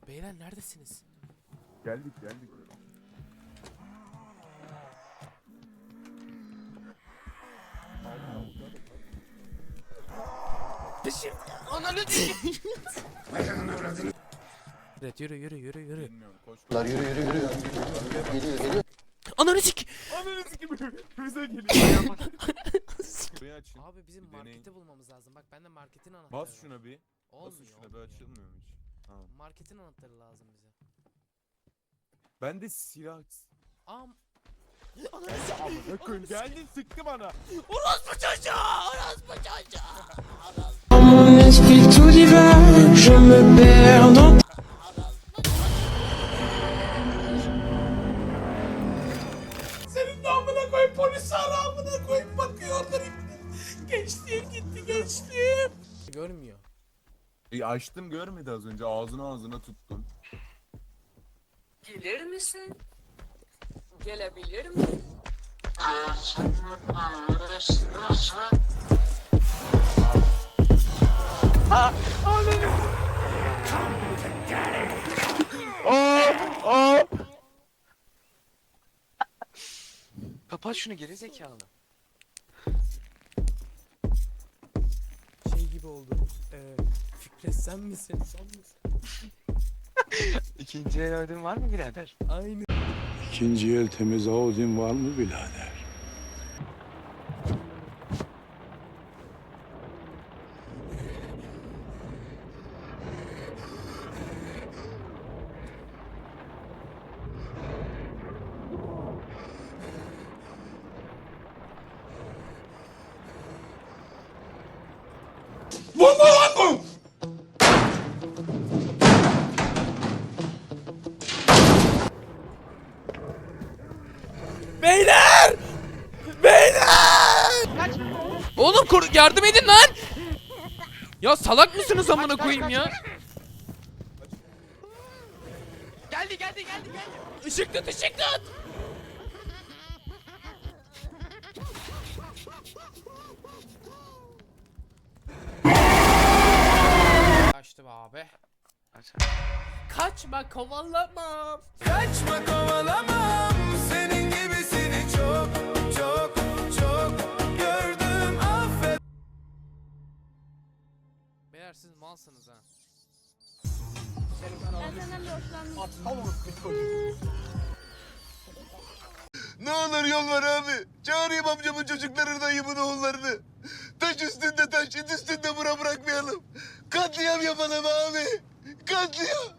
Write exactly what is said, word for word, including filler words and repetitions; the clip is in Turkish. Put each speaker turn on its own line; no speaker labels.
Beyler neredesiniz?
Geldik geldik.
Peşim. Ananı Evet yürü yürü yürü yürü.
Bilmiyorum koş.
Lan yürü yürü yürü. Geliyor geliyor.
Ananı sik.
Ananı sikim bize geliyor. Burayı açın.
Abi bizim
Bir deneyin.
marketi bulmamız lazım. Bak bende marketin anahtarı
Bas
var.
şuna bir. Basın
Olmuyor.
şuna bir
olmuyor.
açılmıyor mu hiç? Ha.
Marketin anahtarı lazım bize.
Ben de silah...
Am.
Geldi amına koyayım geldin sıktı bana.
Orospu çocuğu! Orospu çocuğu!
Mon esprit tout divin, je me perds dans
Senin de amına koyayım polis ara amına koyayım bakıyorlar ipten. Gençliğim gitti gençliğim. Görmüyor.
E, açtım görmedi az önce ağzına ağzına tuttum.
Gelir misin? Gelebilir mi?
Kapat şunu geri zekalı.
Şey gibi oldu. Ee, Fikret sen misin? Sen misin?
İkinci el ödün var mı birader?
Aynı.
İkinci el temiz Audin var mı birader?
Beyler! Beyler! Oğlum kur yardım edin lan! Ya salak mısınız amına koyayım ya?
Geldi geldi geldi geldi.
Işık tut ışık tut! Kaçtı be abi. Kaçma kovalamam. Kaçma kovalamam. Senin gibisini çok çok çok gördüm affet. Beyler siz malsınız ha.
Ne olur yol ver abi. Çağırayım amcamın çocuklarını, dayımın oğullarını. Taş üstünde taş, it üstünde bura bırakmayalım. Katliam yapalım abi. Katliam.